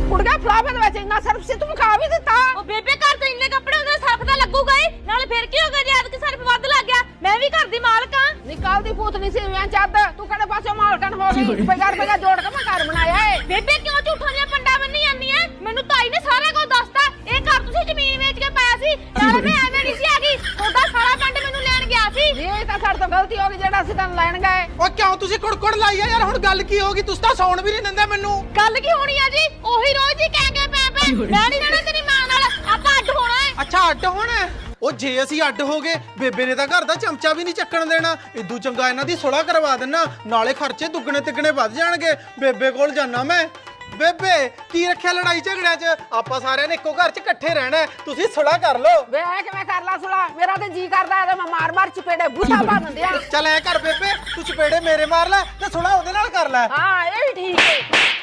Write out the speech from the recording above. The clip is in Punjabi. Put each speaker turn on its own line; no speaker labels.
ਕੁੜੀਆਂ ਫਲਾਵੇ ਦੇ ਵਿੱਚ ਇੰਨਾ ਸਰਫ ਸੀ ਤੂੰ ਖਾ ਵੀ ਦਿੱਤਾ।
ਉਹ ਬੇਬੇ ਘਰ ਤੋਂ ਇੰਨੇ ਕੱਪੜੇ ਹੁੰਦੇ ਸਰਫ ਤਾਂ ਲੱਗੂਗਾ ਹੀ, ਨਾਲੇ ਫਿਰ ਕੀ ਹੋ ਗਿਆ ਜੇ ਐਤਕੀ ਸਰਫ ਵੱਧ ਲੱਗ ਗਿਆ। ਮੈਂ ਵੀ ਘਰ ਦੀ ਮਾਲਕ ਆ।
ਨਿਕਾਲ ਦੀ ਭੂਤ ਨਹੀਂ ਸੀ ਮੈਂ ਚੱਦ ਤੂੰ ਕਿਹੜੇ ਪਾਸੇ ਮਾਲਕਣ ਹੋ ਗਈ। ਰੁਪਈਆ ਜੋੜ ਕੇ ਮੈਂ ਘਰ ਬਣਾਇਆ ਏ।
ਬੇਬੇ ਕਿਉਂ ਝੂਠਾਂ ਦੀਆਂ ਪੰਡਾ ਬੰਨੀ ਜਾਂਦੀ ਐ? ਮੈਨੂੰ ਤਾਈ ਨੇ ਸਾਰਾ ਕੁਝ ਦੱਸਤਾ। ਇਹ ਘਰ ਤੁਸੀਂ ਜ਼ਮੀਨ ਵੇਚ ਕੇ ਪਾਇਆ ਸੀ, ਨਾਲੇ ਮੈਂ ਐਵੇਂ ਨਹੀਂ ਸੀ ਆ ਗਈ। ਤੁਹਾਡਾ ਸਾਰਾ ਪੰਡ ਮੈਨੂੰ ਲੈਣ ਗਿਆ ਸੀ।
ਇਹ ਤਾਂ ਸਾਡੇ ਤੋਂ ਗਲਤੀ ਹੋ ਗਈ ਜਿਹੜਾ ਅਸੀਂ ਤੈਨੂੰ ਲੈਣ ਗਏ।
ਓ ਕਿਉਂ ਤੁਸੀਂ ਕੁੜਕੁੜ ਲਾਈ ਆ ਯਾਰ? ਹੁਣ ਗੱਲ ਕੀ ਹੋ ਗਈ? ਤੁਸੀਂ ਤਾਂ ਸੌਣ ਵੀ ਨਹੀਂ ਦਿੰਦੇ ਮੈਨੂੰ।
ਗੱਲ ਕੀ ਹੋਣੀ ਆ ਜੀ? ਉਹੀ ਰੋਜ਼ ਹੀ ਕਹਿ ਕੇ ਪੈ ਮੈਂ ਨਹੀਂ ਰਹਿਣਾ ਤੇਰੀ ਮਾਂ ਨਾਲ, ਆਪਾਂ ਅੱਡ ਹੋਣਾ ਏ।
ਅੱਛਾ ਅੱਡ ਹੋਣਾ? ਉਹ ਜੇ ਅਸੀਂ ਅੱਡ ਹੋ ਗਏ ਬੇਬੇ ਨੇ ਤਾਂ ਘਰ ਦਾ ਚਮਚਾ ਵੀ ਨਹੀਂ ਚੱਕਣ ਦੇਣਾ। ਇਦੂ ਚੰਗਾ ਇਹਨਾਂ ਦੀ ਸੁਲਾ ਕਰਵਾ ਦੇਣਾ, ਨਾਲੇ ਖਰਚੇ ਦੁੱਗਣੇ ਤਿੱਗਣੇ ਵੱਧ ਜਾਣਗੇ। ਬੇਬੇ ਕੋਲ ਜਾਣਾ ਮੈਂ। ਬੇਬੇ ਕੀ ਰੱਖਿਆ ਲੜਾਈ ਝਗੜਿਆਂ 'ਚ? ਆਪਾਂ ਸਾਰਿਆਂ ਨੇ ਇੱਕੋ ਘਰ 'ਚ ਇਕੱਠੇ ਰਹਿਣਾ। ਤੁਸੀਂ ਸੁਲਾ ਕਰ ਲਓ।
ਵੇ ਕਿਵੇਂ ਕਰ ਲਾ ਸੁਲਾ? ਮੇਰਾ ਤੇ ਜੀ ਕਰਦਾ ਇਹਦੇ ਮੈਂ ਮਾਰ ਚਪੇੜੇ ਬੂਥਾ ਭੰਨ ਦਿਆਂ।
ਚੱਲ ਐ ਕਰ ਬੇਬੇ, ਤੂੰ ਚਪੇੜੇ ਮੇਰੇ ਮਾਰ ਲੈ ਤੇ ਸੁਲਾ ਉਹਦੇ ਨਾਲ ਕਰ ਲੈ।
ਹਾਂ ਇਹ ਵੀ ਠੀਕ ਹੈ।